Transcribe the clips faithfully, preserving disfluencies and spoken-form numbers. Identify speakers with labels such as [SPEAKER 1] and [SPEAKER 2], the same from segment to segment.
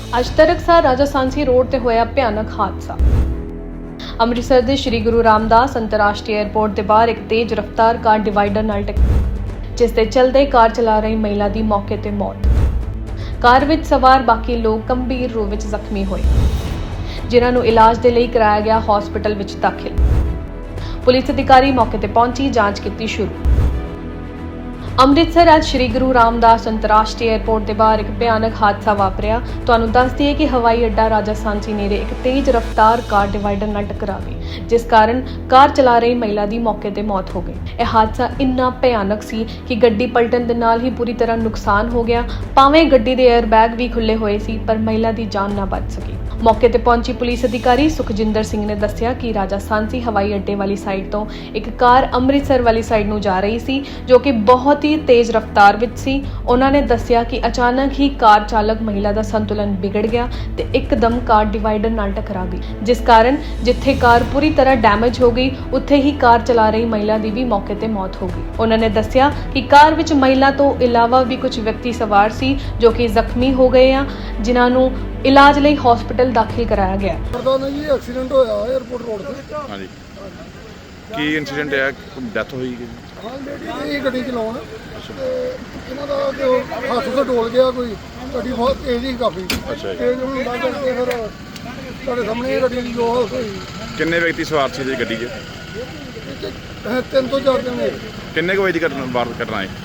[SPEAKER 1] ਅੱਜ ਤੜਕਸਾਰ ਰਾਜਾ ਸਾਂਸੀ ਰੋਡ ਤੇ ਹੋਇਆ ਭਿਆਨਕ ਹਾਦਸਾ। ਅੰਮ੍ਰਿਤਸਰ ਦੇ ਸ਼੍ਰੀ ਗੁਰੂ ਰਾਮਦਾਸ ਅੰਤਰਰਾਸ਼ਟਰੀ ਏਅਰਪੋਰਟ ਦੇ ਬਾਹਰ ਇੱਕ ਤੇਜ਼ ਰਫ਼ਤਾਰ ਕਾਰ ਡਿਵਾਈਡਰ ਨਾਲ ਟਕਰਾਈ, ਜਿਸ ਦੇ ਚਲਦੇ ਕਾਰ ਚਲਾ ਰਹੀ ਮਹਿਲਾ ਦੀ ਮੌਕੇ ਤੇ ਮੌਤ। ਕਾਰ ਵਿੱਚ ਸਵਾਰ ਬਾਕੀ ਲੋਕ ਗੰਭੀਰ ਰੂਪ ਵਿੱਚ ਜ਼ਖਮੀ ਹੋਏ, ਜਿਨ੍ਹਾਂ ਨੂੰ ਇਲਾਜ ਦੇ ਲਈ ਕਰਾਇਆ ਗਿਆ ਹਸਪਤਾਲ ਵਿੱਚ ਦਾਖਲ। ਪੁਲਿਸ ਅਧਿਕਾਰੀ ਮੌਕੇ ਤੇ ਪਹੁੰਚੀ ਜਾਂਚ ਕੀਤੀ ਸ਼ੁਰੂ। ਅੰਮ੍ਰਿਤਸਰ ਅੱਜ ਸ਼੍ਰੀ ਗੁਰੂ ਰਾਮਦਾਸ ਅੰਤਰਰਾਸ਼ਟਰੀ ਏਅਰਪੋਰਟ ਦੇ ਬਾਹਰ ਇੱਕ ਭਿਆਨਕ ਹਾਦਸਾ ਵਾਪਰਿਆ। ਤੁਹਾਨੂੰ ਦੱਸ ਦਈਏ ਕਿ ਹਵਾਈ ਅੱਡਾ ਰਾਜਾ ਸਾਂਸੀ ਨੇੜੇ ਇੱਕ ਤੇਜ਼ ਰਫ਼ਤਾਰ ਕਾਰ ਡਿਵਾਈਡਰ ਨਾਲ ਟਕਰਾ ਗਈ, ਜਿਸ ਕਾਰਨ ਕਾਰ ਚਲਾ ਰਹੀ ਮਹਿਲਾ ਦੀ ਮੌਕੇ ਤੇ ਮੌਤ ਹੋ ਗਈ। ਇਹ ਹਾਦਸਾ ਇੰਨਾ ਭਿਆਨਕ ਸੀ ਕਿ ਗੱਡੀ ਪਲਟਣ ਦੇ ਨਾਲ ਹੀ ਪੂਰੀ ਤਰ੍ਹਾਂ ਨੁਕਸਾਨ ਹੋ ਗਿਆ। ਭਾਵੇਂ ਗੱਡੀ ਦੇ 에ਅਰ ਬੈਗ ਵੀ ਖੁੱਲੇ ਹੋਏ ਸੀ, ਪਰ ਮਹਿਲਾ ਦੀ ਜਾਨ ਨਾ ਬਚ ਸਕੀ। ਮੌਕੇ ਤੇ ਪਹੁੰਚੀ ਪੁਲਿਸ ਅਧਿਕਾਰੀ ਸੁਖਜਿੰਦਰ ਸਿੰਘ ਨੇ ਦੱਸਿਆ ਕਿ ਰਾਜਾ ਸਾਂਸੀ ਹਵਾਈ ਅੱਡੇ ਵਾਲੀ ਸਾਈਡ ਤੋਂ ਇੱਕ ਕਾਰ ਅੰਮ੍ਰਿਤਸਰ ਵਾਲੀ ਸਾਈਡ ਨੂੰ ਜਾ ਰਹੀ ਸੀ, ਜੋ ਕਿ ਬਹੁਤ ਹੀ ਤੇਜ਼ ਰਫ਼ਤਾਰ ਵਿੱਚ ਸੀ। ਉਹਨਾਂ ਨੇ ਦੱਸਿਆ ਕਿ ਅਚਾਨਕ ਹੀ ਕਾਰ ਚਾਲਕ ਮਹਿਲਾ ਦਾ ਸੰਤੁਲਨ ਵਿਗੜ ਗਿਆ ਤੇ ਇੱਕਦਮ ਕਾਰ ਡਿਵਾਈਡਰ ਨਾਲ ਟਕਰਾ ਗਈ, ਜਿਸ ਕਾਰਨ ਜਿੱਥੇ ਕਾਰ ਪੂਰੀ ਤਰ੍ਹਾਂ ਡੈਮੇਜ ਹੋ ਗਈ, ਉੱਥੇ ਹੀ ਕਾਰ ਚਲਾ ਰਹੀ ਮਹਿਲਾ ਦੀ ਵੀ ਮੌਕੇ ਤੇ ਮੌਤ ਹੋ ਗਈ। ਉਹਨਾਂ ਨੇ ਦੱਸਿਆ ਕਿ ਕਾਰ ਵਿੱਚ ਮਹਿਲਾ ਤੋਂ ਇਲਾਵਾ ਵੀ ਕੁਝ ਵਿਅਕਤੀ ਸਵਾਰ ਸੀ, ਜੋ ਕਿ ਜ਼ਖਮੀ ਹੋ ਗਏ ਆ, ਜਿਨ੍ਹਾਂ ਨੂੰ ਇਲਾਜ ਲਈ ਹਸਪਤਾਲ ਦਾਖਲ ਕਰਾਇਆ ਗਿਆ।
[SPEAKER 2] ਪਤਾ ਨਹੀਂ ਜੀ ਐਕਸੀਡੈਂਟ ਹੋਇਆ 에ਅਰਪੋਰਟ ਰੋਡ ਤੇ।
[SPEAKER 3] ਹਾਂਜੀ, ਕੀ ਇਨਸੀਡੈਂਟ ਹੈ? ਡੈਥ ਹੋਈ ਕਿ
[SPEAKER 2] ਹਾਂ, ਲੇਡੀ ਇਹ ਗੱਡੀ ਚਲਾਉਣ ਤੇ ਇਹਨਾਂ ਦਾ ਜੋ ਹੱਥ ਤੋਂ ਡੋਲ ਗਿਆ, ਕੋਈ ਗੱਡੀ ਬਹੁਤ ਤੇਜ਼ ਹੀ ਕਾਫੀ
[SPEAKER 3] ਅੱਛਾ ਜੀ।
[SPEAKER 2] ਤੇਜ਼ ਹੋਣ ਲੱਗ ਕਰਕੇ ਫਿਰ ਤੁਹਾਡੇ ਸਾਹਮਣੇ ਇਹ ਗੱਡੀ ਦੀ ਜੋ ਹਾਲਤ ਹੋਈ।
[SPEAKER 3] ਕਿੰਨੇ ਵਿਅਕਤੀ ਸਵਾਰ ਸੀ ਜੀ ਗੱਡੀ 'ਚ?
[SPEAKER 2] ਇਹ 'ਚ, ਅਹ, ਤਿੰਨ ਤੋਂ ਚਾਰ ਜਣੇ
[SPEAKER 3] ਕਿੰਨੇ ਕੁ ਵਜੇ ਦੀ ਘਟਨਾ ਵਾਰ ਘਟਨਾ ਹੈ?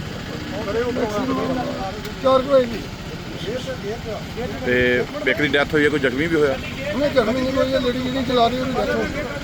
[SPEAKER 2] ਚਾਰ ਕੁ ਹੋਏ ਜੀ।
[SPEAKER 3] ਤੇ ਇੱਕ ਦੀ ਡੈਥ ਹੋਈ ਹੈ, ਕੋਈ ਜ਼ਖਮੀ ਵੀ ਹੋਇਆ?
[SPEAKER 2] ਉਹਨੇ ਜ਼ਖਮੀ ਨਹੀਂ ਹੋਈ, ਲੇਡੀ ਜਿਹੜੀ ਚਲਾ ਰਹੀ ਉਹਦੀ ਡੈਥ ਹੋ ਗਈ।